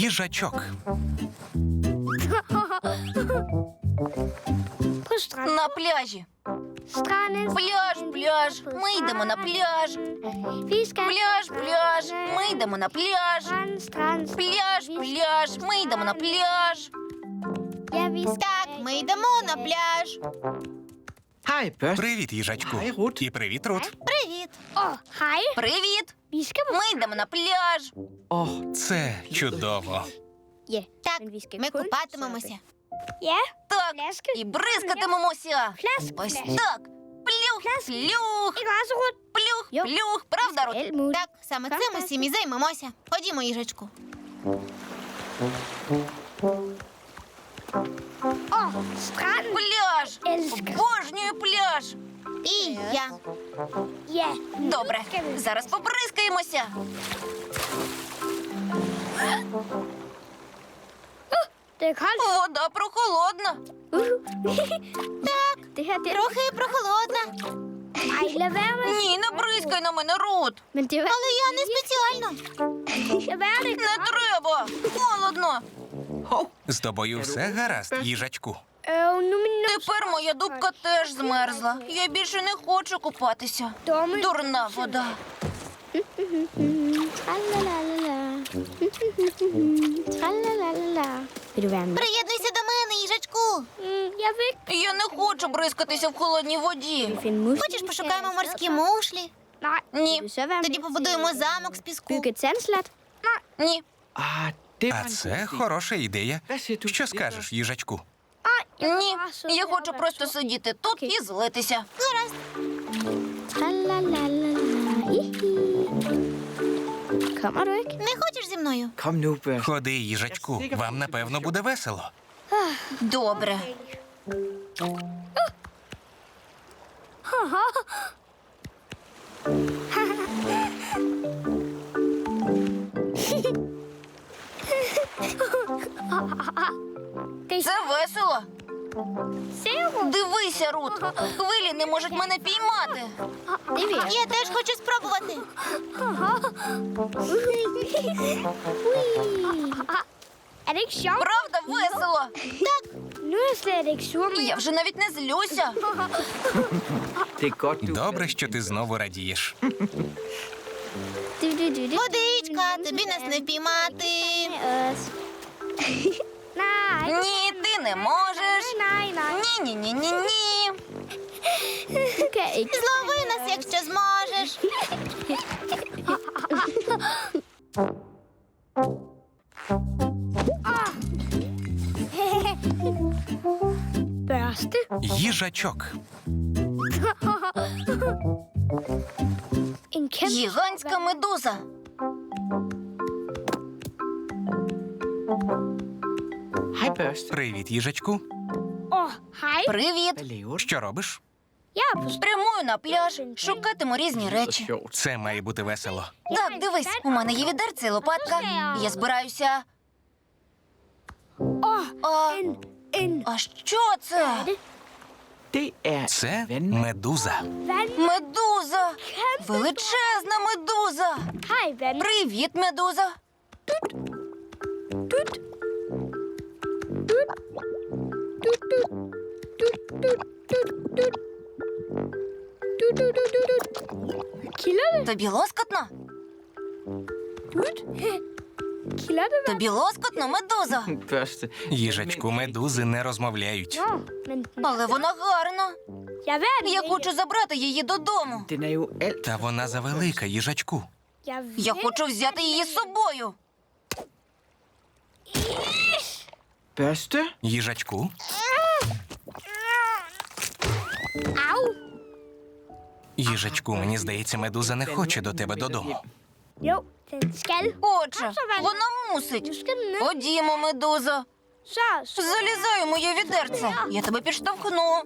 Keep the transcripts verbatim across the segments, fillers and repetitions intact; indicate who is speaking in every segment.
Speaker 1: Їжачок.
Speaker 2: На пляжі. Пляж, пляж. Ми йдемо на пляж. Пляж, пляж. Ми йдемо на пляж. Пляж, пляж. Ми йдемо на пляж.
Speaker 3: Так, ми йдемо на пляж.
Speaker 4: Хай, Børst.
Speaker 1: Привіт, їжачку.
Speaker 4: Хай, Рут.
Speaker 1: І привіт, Рут.
Speaker 3: Привіт.
Speaker 2: Привіт. Ми йдемо на пляж.
Speaker 4: Åh,
Speaker 1: Це чудово.
Speaker 3: Так, ми купатимемося.
Speaker 2: Так, і бризкатимемося. Ось так. Плюх, плюх. Плюх, плюх. Правда, Рут?
Speaker 3: Так, саме цим ми всім і займемося. Ходімо, їжачку.
Speaker 2: Пляж. Обожнюю пляж.
Speaker 3: І я.
Speaker 2: Добре, зараз побризкаємося. Вода прохолодна.
Speaker 3: Трохи прохолодна.
Speaker 2: Ні, не бризкай на мене, Рут.
Speaker 3: Але я не спеціально.
Speaker 2: Не треба. Холодно.
Speaker 1: З тобою все гаразд, їжачку.
Speaker 2: Тепер моя дубка теж змерзла. Я більше не хочу купатися. Дурна вода.
Speaker 3: Приєднуйся до мене, їжачку.
Speaker 2: Я не хочу бризкатися в холодній воді.
Speaker 3: Хочеш, пошукаємо морські мушлі?
Speaker 2: Ні,
Speaker 3: Тоді побудуємо замок з піску.
Speaker 2: ні,
Speaker 4: ah, det var
Speaker 1: А
Speaker 4: en
Speaker 1: це
Speaker 4: god idé.
Speaker 1: хороша ідея.
Speaker 4: Hvad siger du
Speaker 1: Що
Speaker 4: til det,
Speaker 1: скажеш, їжачку?
Speaker 2: ні. Я хочу просто сидіти тут і злитися.
Speaker 3: Гаразд. Не хочеш зі мною?
Speaker 4: Børst? Kom nu, Børst.
Speaker 1: Ходи, їжачку. Вам, напевно, буде весело.
Speaker 2: Добре. Це весело. Дивися, Рут. Хвилі не можуть мене піймати.
Speaker 3: Я теж хочу спробувати.
Speaker 2: Правда, весело. Я вже навіть не злюся.
Speaker 4: Det er godt, du.
Speaker 1: Добре, що ти знову радієш.
Speaker 3: Водичка, тобі нас не впіймати.
Speaker 2: Ні, ти не можеш. Ні, ні, ні, ні, ні.
Speaker 3: Злови нас, якщо зможеш.
Speaker 1: Їжачок.
Speaker 2: Гігантська медуза.
Speaker 4: Hej, Børst.
Speaker 1: Привіт, їжачку.
Speaker 2: Привіт.
Speaker 4: Hvad laver du?
Speaker 1: Що робиш?
Speaker 2: Спрямую на пляж, шукатиму різні
Speaker 4: Så
Speaker 2: речі.
Speaker 4: sjovt.
Speaker 1: Це має бути весело.
Speaker 2: Так, дивись, у мене є відерце і лопатка. Я збираюся. А, а що це?
Speaker 4: Det er
Speaker 1: Це
Speaker 4: vand.
Speaker 1: медуза.
Speaker 2: Медуза! Величезна медуза! Привіт, медуза! Тобі лоскотно? Тобі лоскотно, медуза?
Speaker 4: Børste.
Speaker 1: Їжачку, медузи не розмовляють.
Speaker 2: Але вона гарна. Я хочу забрати її додому.
Speaker 4: Den er jo alt.
Speaker 1: Та вона завелика, їжачку.
Speaker 2: Я хочу взяти її з собою.
Speaker 4: Børste?
Speaker 1: Їжачку. Їжачку, мені здається, медуза не хоче до тебе додому.
Speaker 2: Отже, вона мусить. Ходімо, медузо. Залізай у моє відерце. Я тебе підштовхну.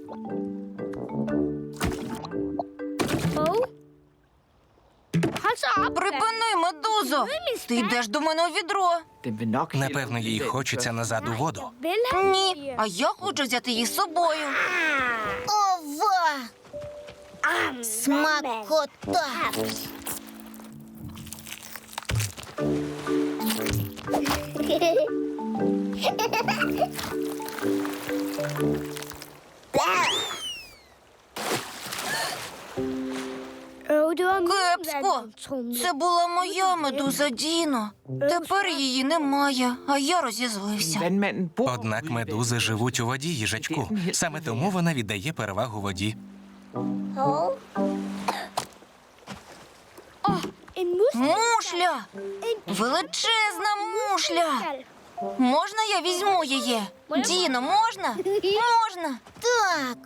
Speaker 2: Припини, медузо. Ти йдеш до мене у відро.
Speaker 4: Den vil nok
Speaker 1: Напевно, їй хочеться назад у воду.
Speaker 2: Ні, а я хочу взяти її з собою.
Speaker 3: Ова! Смакота!
Speaker 2: Кепсько. Це була моя медуза Діно. Тепер її немає, а я розізлився.
Speaker 4: Vandmanden bor
Speaker 1: Однак
Speaker 4: ude i
Speaker 1: медузи живуть у воді, їжачку. Саме тому вона віддає перевагу воді.
Speaker 2: Мушля! Величезна мушля! Можна я візьму її? Діно, можна? Можна.
Speaker 3: Так.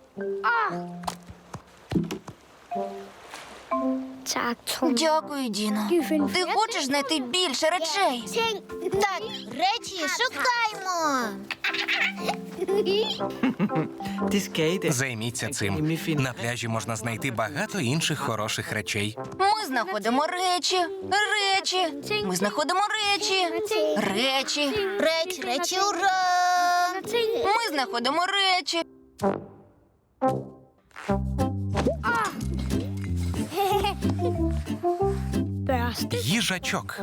Speaker 2: Дякую, Діно. Ти хочеш знайти більше речей?
Speaker 3: Так, речі шукаймо.
Speaker 4: Det skal I da.
Speaker 1: Займіться цим. На пляжі можна знайти багато інших хороших речей.
Speaker 2: Ми знаходимо речі, речі. Ми знаходимо речі, речі.
Speaker 3: Реч, речі, ура!
Speaker 2: Ми знаходимо речі.
Speaker 1: Їжачок.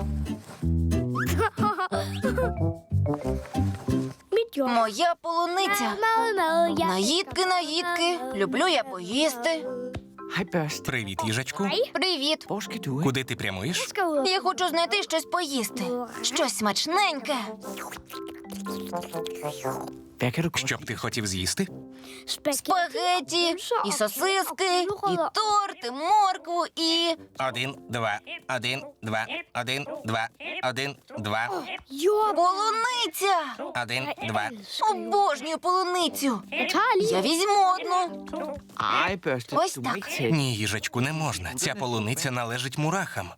Speaker 2: Моя полуниця. Наїдки, наїдки. Люблю я поїсти.
Speaker 4: Hej, børste.
Speaker 1: Привіт, їжачку.
Speaker 2: Привіт.
Speaker 4: Hvor skal du hen?
Speaker 1: Куди ти прямуєш?
Speaker 2: Я хочу знайти щось поїсти. Щось смачненьке.
Speaker 4: Hvad kan du godt
Speaker 1: Що б ти хотів з'їсти?
Speaker 2: Спагеті, і сосиски, і торт, і моркву, і...
Speaker 1: Один, два, один, два, один, два, один, два,
Speaker 2: Полуниця!
Speaker 1: один, два.
Speaker 2: Обожнюю полуницю. Я візьму одну.
Speaker 4: Ej, børste.
Speaker 2: Ось
Speaker 4: Du må
Speaker 2: так.
Speaker 4: ikke tage.
Speaker 1: Ні, їжачку, не можна. Ця полуниця належить мурахам.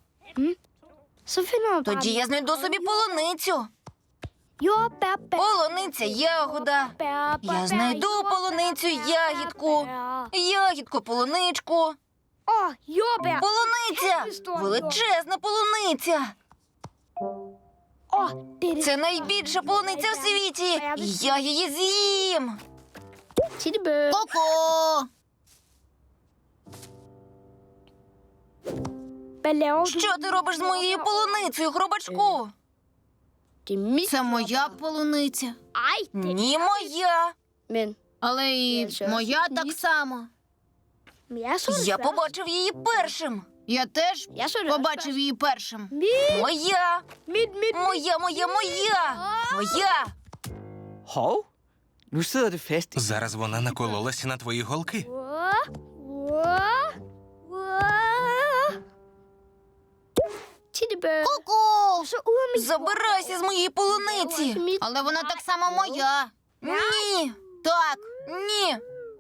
Speaker 2: Тоді я знайду собі полуницю. Полуниця ягода. Я знайду полуницю ягідку. Ягідку полуничку. Полуниця! Величезна полуниця! Це найбільша полуниця в світі! І я її з'їм!
Speaker 3: Ко-ко!
Speaker 2: Що ти робиш з моєю полуницею, хробачку?
Speaker 3: Це моя полуниця.
Speaker 2: Ні, моя!
Speaker 3: Але і моя так само.
Speaker 2: Я побачив її першим!
Speaker 3: Я теж побачив її першим.
Speaker 2: Моя! Моя, моя, моя! Моя!
Speaker 4: Hov. Nu sidder det fast.
Speaker 1: Зараз вона накололася на твої голки.
Speaker 3: Ку-ку!
Speaker 2: Забирайся з моєї полуниці!
Speaker 3: Але вона так само моя.
Speaker 2: Ні!
Speaker 3: Так.
Speaker 2: Ні!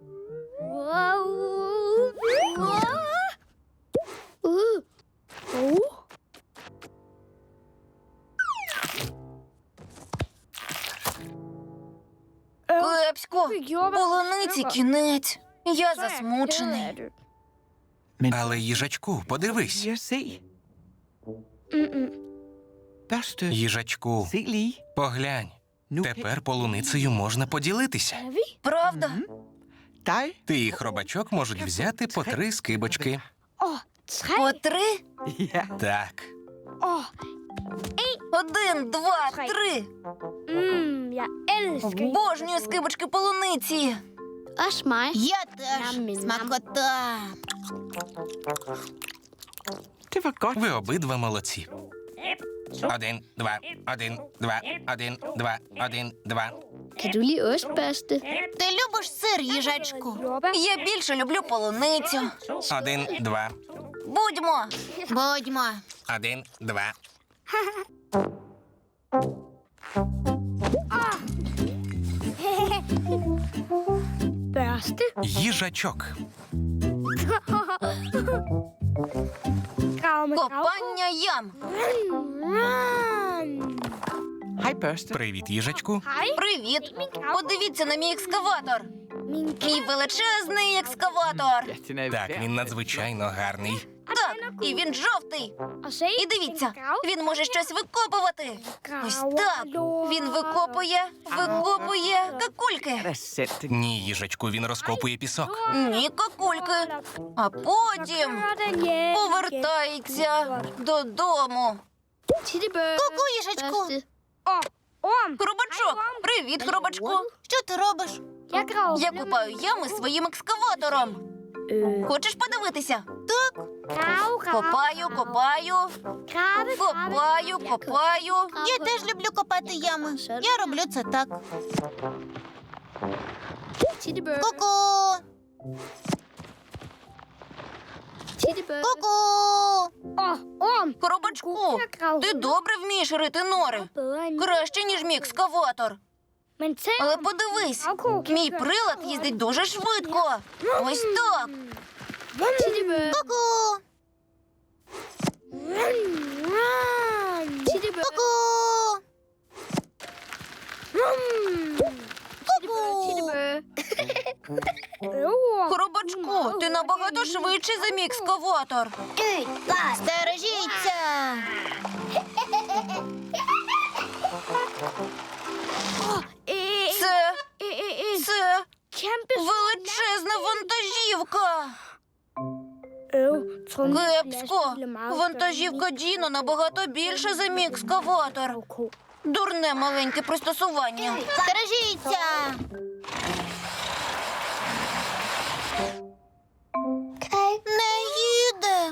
Speaker 2: Кепсько! Полуниці кінець! Я засмучений.
Speaker 1: Але їжачку, подивись.
Speaker 4: Jeg se. Børste.
Speaker 1: Їжачку,
Speaker 4: Se lige.
Speaker 1: поглянь.
Speaker 4: Nu
Speaker 1: Тепер полуницею можна поділитися.
Speaker 2: Правда?
Speaker 4: dig.
Speaker 1: Ти і хробачок можуть взяти по три скибочки.
Speaker 2: По три?
Speaker 4: Ja.
Speaker 1: Так.
Speaker 2: Один, два, три. Обожнюю скибочки полуниці.
Speaker 3: Я теж. Смакота.
Speaker 4: Det var godt.
Speaker 1: Ви обидва молодці. Один, два, один, два, один, два, один, два.
Speaker 5: Kan du lide ost, Børste?
Speaker 3: Ти любиш сир, їжачку?
Speaker 2: Я більше люблю полуницю.
Speaker 1: Один, два,
Speaker 2: Будьмо.
Speaker 3: Будьмо.
Speaker 1: один, два.
Speaker 5: Børste?
Speaker 1: Їжачок.
Speaker 5: Grav med grav.
Speaker 2: Копання ям.
Speaker 4: Hej, børste.
Speaker 1: Привіт, їжачку.
Speaker 2: Привіт. Подивіться на мій екскаватор.
Speaker 5: Min
Speaker 2: Мій величезний екскаватор.
Speaker 4: Ja, den er
Speaker 1: Так,
Speaker 4: værd.
Speaker 1: він надзвичайно гарний.
Speaker 2: Так, і він жовтий.
Speaker 5: Og se,
Speaker 2: І дивіться, він може щось викопувати. Ось так. Він викопує, викопує какульки.
Speaker 4: Det er sandt. Det
Speaker 1: Ні, їжачку, він розкопує пісок.
Speaker 2: Ні, какульки. А потім
Speaker 5: den hjem.
Speaker 2: повертається додому.
Speaker 5: Tittebø.
Speaker 3: Ку-ку, їжачку.
Speaker 5: Børste.
Speaker 2: Хробачок! Привіт, хробачку!
Speaker 3: Що ти робиш?
Speaker 5: Jeg graver.
Speaker 2: Я купаю ями своїм екскаватором.
Speaker 5: Øh,
Speaker 2: Хочеш подивитися?
Speaker 5: grave, grave.
Speaker 2: Копаю, копаю,
Speaker 5: Grave,
Speaker 2: копаю, копаю.
Speaker 3: Я теж люблю копати ями. Я роблю це так.
Speaker 5: Tittebø.
Speaker 3: Ку-ку!
Speaker 5: Tittebø.
Speaker 3: Ку-ку!
Speaker 5: Åh, orm.
Speaker 2: Хробачку, ти добре вмієш рити нори.
Speaker 5: Bedre end
Speaker 2: Краще, ніж мій екскаватор.
Speaker 5: Men tænk,
Speaker 2: Але подивись,
Speaker 5: Gravko
Speaker 2: мій прилад їздить дуже швидко. Ось так.
Speaker 5: Tittebø.
Speaker 3: Ку-ку!
Speaker 5: Tittebø.
Speaker 3: Ку-ку!
Speaker 5: Tittebø. Øv.
Speaker 2: Хробачку, ти набагато швидший за мій екскаватор.
Speaker 3: Стережіться!
Speaker 5: Øh,
Speaker 2: Це,
Speaker 5: øh, øh, øh.
Speaker 2: це
Speaker 5: Kæmpe
Speaker 2: величезна вантажівка.
Speaker 5: øv. Tror du,
Speaker 2: Кепсько.
Speaker 5: lastbil er meget
Speaker 2: Вантажівка Діно набагато більша за мій екскаватор.
Speaker 5: større?
Speaker 2: Дурне маленьке пристосування.
Speaker 3: Стережіться! Не їде!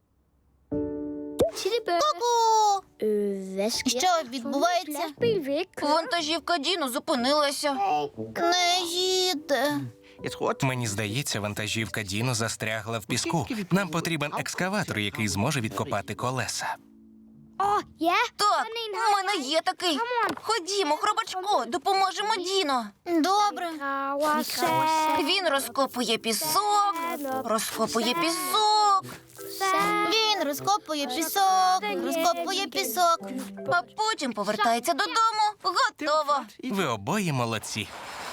Speaker 5: Tittebø.
Speaker 3: Ку-ку!
Speaker 5: Øh, hvad sker
Speaker 3: Що
Speaker 5: der?
Speaker 3: відбувається?
Speaker 5: Lastbil vil ikke køre.
Speaker 2: Вантажівка Діно зупинилася.
Speaker 3: Не їде.
Speaker 4: Jeg tror, at
Speaker 1: Мені здається, вантажівка Діно застрягла в піску. Нам потрібен екскаватор, який зможе відкопати колеса.
Speaker 5: Åh, ja.
Speaker 2: Так, у мене є такий. Ходімо, хробачку, допоможемо Діно.
Speaker 3: Добре.
Speaker 5: Graver sand,
Speaker 2: Він розкопує пісок, розкопує пісок,
Speaker 5: sand.
Speaker 3: Він розкопує пісок, розкопує пісок.
Speaker 2: а потім повертається додому. Готово.
Speaker 1: Ви обоє молодці.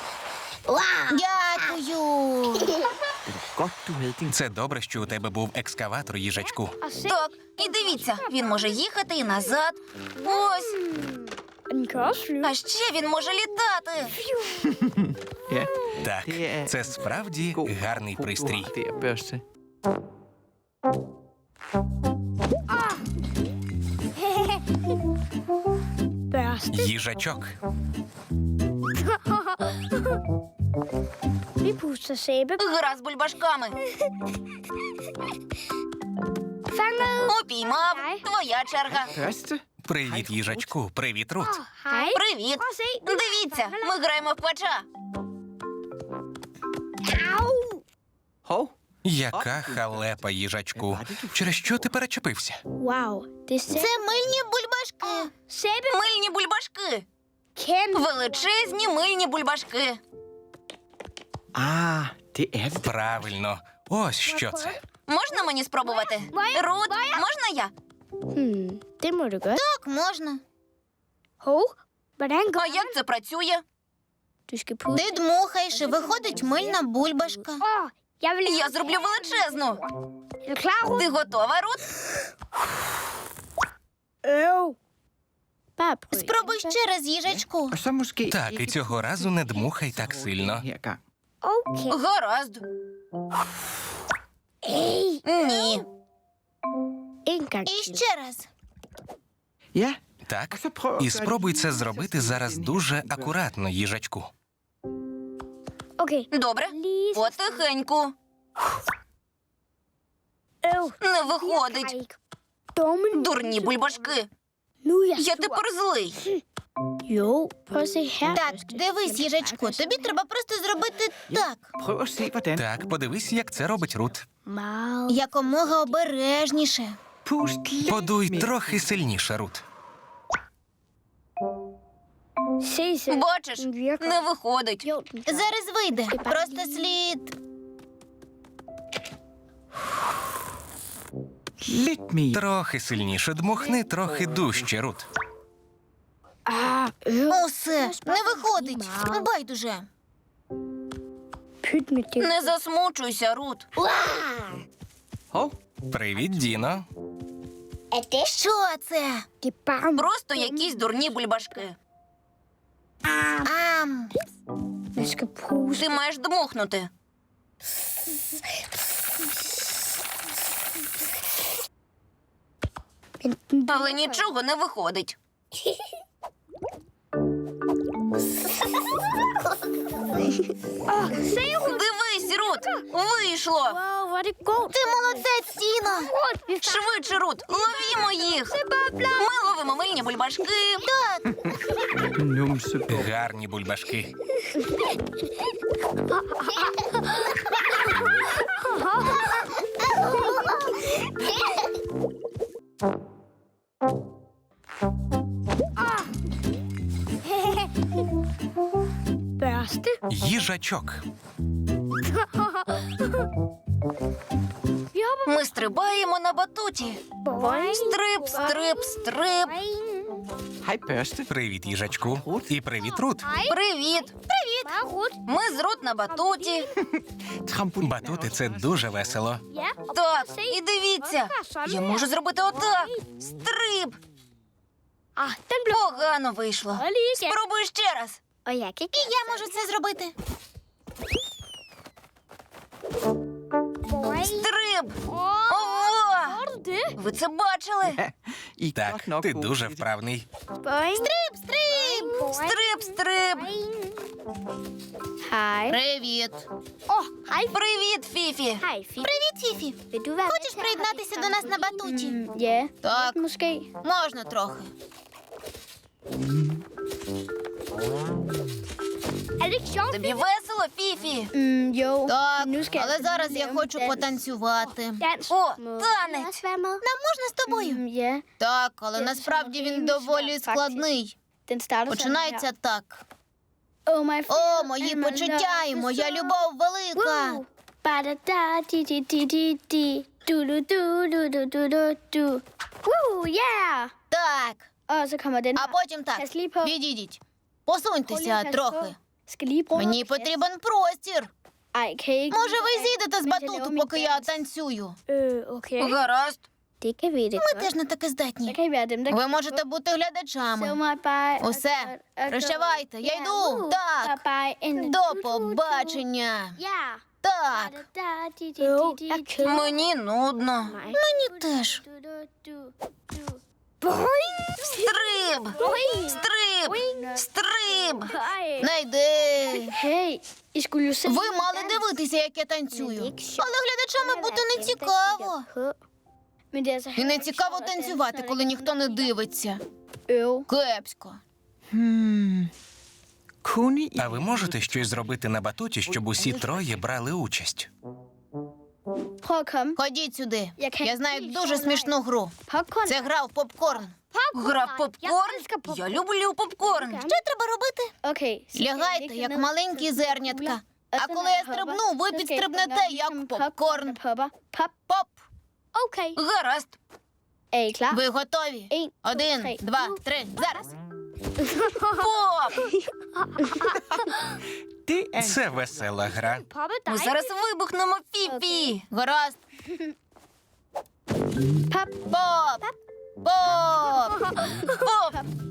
Speaker 3: Дякую.
Speaker 4: godt, du havde din...
Speaker 1: Це добре, що у тебе був екскаватор, їжачку.
Speaker 5: Og se,
Speaker 2: Так, і дивіться, він може їхати і назад. Ось,
Speaker 5: og den kan også flyve.
Speaker 2: а ще він може літати.
Speaker 4: Ja,
Speaker 1: Так, це справді гарний пристрій.
Speaker 4: det er børste.
Speaker 5: Børste.
Speaker 1: Їжачок.
Speaker 5: Vi puster sæbe.
Speaker 2: Гра з бульбашками.
Speaker 5: Fanget.
Speaker 2: Упіймав. Твоя черга.
Speaker 4: Børste?
Speaker 1: Привіт, їжачку. Привіт, Рут.
Speaker 5: Hej.
Speaker 2: Привіт.
Speaker 5: Prøv at se.
Speaker 2: Дивіться, ми граємо в квача.
Speaker 5: Au.
Speaker 4: Hov,
Speaker 1: Яка халепа, їжачку. Через що ти перечепився?
Speaker 5: Wow, det er sæbe.
Speaker 3: Це мильні бульбашки.
Speaker 5: Sæbe.
Speaker 2: Мильні бульбашки.
Speaker 5: Kæmpe.
Speaker 2: Величезні мильні бульбашки.
Speaker 4: ah, det er det.
Speaker 1: Правильно. Ось що це.
Speaker 2: Можна мені спробувати? Рут, можна я?
Speaker 5: Hmm, det må du gøre.
Speaker 3: Так, можна.
Speaker 5: Hov, hvordan går
Speaker 2: А як це працює?
Speaker 5: Du skal putte.
Speaker 3: Ти дмухаєш і виходить мильна бульбашка.
Speaker 5: Åh, jeg vil...
Speaker 2: Я зроблю величезну.
Speaker 5: Er du klar, Rut?
Speaker 2: Ти готова, Рут?
Speaker 5: Øv. Bare prøv.
Speaker 3: Спробуй ще раз, їжачку.
Speaker 4: Og så måske...
Speaker 1: Так, і цього разу не дмухай так сильно.
Speaker 4: Her gang.
Speaker 5: Okay.
Speaker 2: Гаразд. Ні.
Speaker 5: En gang
Speaker 3: І
Speaker 5: til.
Speaker 3: ще раз.
Speaker 1: Так,
Speaker 4: Ja, og så prøv at
Speaker 1: і
Speaker 4: gøre
Speaker 1: спробуй
Speaker 4: det
Speaker 1: це
Speaker 4: lige,
Speaker 1: зробити
Speaker 4: så
Speaker 1: зараз
Speaker 4: sådan
Speaker 1: дуже
Speaker 4: her.
Speaker 1: акуратно, їжачку.
Speaker 5: Okay.
Speaker 2: Добре.
Speaker 5: Lige så
Speaker 2: Потихеньку.
Speaker 5: øv.
Speaker 2: Не виходить.
Speaker 5: Dumme.
Speaker 2: Дурні бульбашки.
Speaker 5: Nu er jeg
Speaker 2: Я
Speaker 5: sur.
Speaker 2: тепер злий.
Speaker 5: Jo, prøv at se her.
Speaker 3: Так, дивись, їжачку, тобі треба просто зробити так.
Speaker 4: Prøv at se, hvordan.
Speaker 1: Так, подивись, як це робить Рут.
Speaker 5: Meget.
Speaker 3: Якомога обережніше.
Speaker 4: Pust lidt
Speaker 1: Подуй
Speaker 4: mere.
Speaker 1: трохи сильніше, Рут.
Speaker 5: Se selv.
Speaker 2: Бачиш,
Speaker 5: Den virker.
Speaker 2: не виходить.
Speaker 5: Jo, den gør.
Speaker 3: Зараз вийде. Просто слід.
Speaker 4: Lidt mere.
Speaker 1: Трохи сильніше дмухни, трохи дужче, Рут.
Speaker 5: Ah, øv.
Speaker 3: Усе, не виходить. Байдуже.
Speaker 5: Pyt med det.
Speaker 2: Не засмучуйся, Рут.
Speaker 4: Hov,
Speaker 1: Привіт, Діно.
Speaker 3: Що це?
Speaker 5: Det er bare...
Speaker 2: Просто якісь дурні бульбашки.
Speaker 3: Ам.
Speaker 5: Man skal puste.
Speaker 2: Ти маєш дмухнути.
Speaker 5: Men den
Speaker 2: Але нічого не виходить. Дивись, Рут! Вийшло!
Speaker 5: Wow, hvor er det godt.
Speaker 3: Ти молодець, Тіно.
Speaker 5: Rut, vi
Speaker 2: Швидше, Рут! Ловімо їх! Ми ловимо мильні бульбашки!
Speaker 4: Numsebog.
Speaker 1: Гарні бульбашки.
Speaker 5: børste.
Speaker 1: Їжачок.
Speaker 5: Vi hopper
Speaker 2: Ми стрибаємо на батуті.
Speaker 5: boing,
Speaker 2: Стрип, стрип, стрип.
Speaker 5: boing.
Speaker 4: Hej, børste.
Speaker 1: Привіт, їжачку. І привіт, Рут.
Speaker 2: Привіт!
Speaker 5: Hej, Rut.
Speaker 2: Ми з Рут на батуті.
Speaker 4: Trampolin.
Speaker 1: Батути це дуже весело.
Speaker 5: Ja, og
Speaker 2: Так,
Speaker 5: se.
Speaker 2: і дивіться. Я можу зробити отак. Стрип.
Speaker 5: Ah, den blev...
Speaker 2: Погано вийшло.
Speaker 5: Og lige igen.
Speaker 2: Спробуй ще раз.
Speaker 5: Og jeg kan ikke...
Speaker 3: Я можу це зробити.
Speaker 5: Boing.
Speaker 2: Стрип.
Speaker 5: Åh,
Speaker 2: Ого!
Speaker 5: gjorde du det?
Speaker 2: Ви це бачили?
Speaker 4: I er
Speaker 1: Так,
Speaker 4: godt nok
Speaker 1: ти
Speaker 4: gode
Speaker 1: дуже
Speaker 4: til det.
Speaker 1: вправний.
Speaker 5: Boing.
Speaker 3: Стрип, стрип.
Speaker 5: Boing.
Speaker 2: Стрип, стрип.
Speaker 5: Boing. Hej.
Speaker 3: Привіт.
Speaker 5: Åh, hej.
Speaker 2: Привіт, Фіфі.
Speaker 5: Hej, Fie.
Speaker 3: Привіт, Фіфі.
Speaker 5: Vil du være
Speaker 3: Хочеш приєднатися до нас на батуті?
Speaker 5: Mm, ja,
Speaker 3: Так,
Speaker 5: måske.
Speaker 3: можна трохи.
Speaker 5: Er det ikke sjovt?
Speaker 2: Тобі весело, Фіфі?
Speaker 5: Mm, jo.
Speaker 3: Так,
Speaker 5: Nu skal
Speaker 3: але
Speaker 5: jeg
Speaker 3: зараз я
Speaker 5: lave
Speaker 3: хочу
Speaker 5: dans.
Speaker 3: потанцювати.
Speaker 5: Dans.
Speaker 2: О,
Speaker 5: Må
Speaker 2: танець.
Speaker 5: jeg også være med?
Speaker 3: Нам можна з тобою?
Speaker 5: Mm, ja.
Speaker 3: Так, але насправді він доволі складний.
Speaker 5: Den starter
Speaker 3: Починається так.
Speaker 5: О, my
Speaker 3: О, мої почуття і моя любов велика.
Speaker 5: Ба-да-да, ді-ді-ді-ді-ді. Ду-ду-ду-ду-ду-ду-ду. Woo, yeah!
Speaker 3: Так,
Speaker 5: Og så kommer den
Speaker 3: а
Speaker 5: her.
Speaker 3: потім так.
Speaker 5: Pas lige på.
Speaker 3: Відійдіть.
Speaker 5: Prøv lige
Speaker 3: Посуньтеся
Speaker 5: at passe
Speaker 3: трохи.
Speaker 5: på. Skal lige bruge
Speaker 3: Мені
Speaker 5: noget plads.
Speaker 3: потрібен простір.
Speaker 5: Ej, kan I ikke...
Speaker 3: Може, ви зійдете з
Speaker 5: Mens jeg laver
Speaker 3: батуту,
Speaker 5: min
Speaker 3: поки я
Speaker 5: dans.
Speaker 3: танцюю?
Speaker 5: Øh, okay.
Speaker 2: Гаразд.
Speaker 5: Det kan vi det
Speaker 3: Ми
Speaker 5: godt.
Speaker 3: теж не таки
Speaker 5: Så
Speaker 3: здатні.
Speaker 5: kan I være dem, der
Speaker 3: Ви
Speaker 5: kan
Speaker 3: можете бути
Speaker 5: få
Speaker 3: глядачами.
Speaker 5: mig bare...
Speaker 3: Усе, прощавайте, я йду. Так. До побачення.
Speaker 5: Ja.
Speaker 3: Так,
Speaker 5: Jo, jeg keder
Speaker 2: Мені нудно.
Speaker 5: mig.
Speaker 3: мені теж.
Speaker 2: Стрип! Стрип! Стрип!
Speaker 5: Ej.
Speaker 3: Не йди.
Speaker 5: Hey, I skulle jo se...
Speaker 3: Ви мали дивитися, як я танцюю. Але глядачами бути не цікаво.
Speaker 5: Men det er altså
Speaker 3: І не цікаво танцювати, коли ніхто не дивиться.
Speaker 5: Øv.
Speaker 3: Кепсько.
Speaker 4: Hmm. Kunne I...
Speaker 1: А ви можете щось зробити на батуті, щоб усі троє брали участь?
Speaker 5: Prøv at komme.
Speaker 3: Ходіть сюди.
Speaker 5: Я kan
Speaker 3: Я знаю
Speaker 5: helt
Speaker 3: дуже
Speaker 5: sjov
Speaker 3: смішну гру.
Speaker 5: Popcorn.
Speaker 3: Це гра в попкорн.
Speaker 2: Гра в попкорн? Я люблю попкорн.
Speaker 3: Що треба робити?
Speaker 5: Okay. så skal jeg
Speaker 3: Лягайте,
Speaker 5: ligge
Speaker 3: як
Speaker 5: ned,
Speaker 3: маленькі
Speaker 5: så
Speaker 3: зернятка.
Speaker 5: kugler.
Speaker 3: А
Speaker 5: Og så
Speaker 3: коли
Speaker 5: når
Speaker 3: я
Speaker 5: jeg hopper,
Speaker 3: стрибну, ви
Speaker 5: så skal I
Speaker 3: підстрибнете,
Speaker 5: gøre
Speaker 3: як
Speaker 5: ligesom
Speaker 3: попкорн.
Speaker 5: der popper. Pop.
Speaker 3: Поп.
Speaker 5: Okay.
Speaker 2: Гаразд.
Speaker 5: Er I klar?
Speaker 3: Ви готові?
Speaker 5: En, to,
Speaker 3: Один,
Speaker 5: tre.
Speaker 3: два, три. Зараз.
Speaker 2: Поп!
Speaker 4: Det er en...
Speaker 1: Це весела гра.
Speaker 5: Poppe
Speaker 2: Ми
Speaker 5: dig.
Speaker 2: зараз вибухнемо, Фіфі.
Speaker 3: Гаразд.
Speaker 5: Pop.
Speaker 3: Поп. Поп.
Speaker 2: Поп!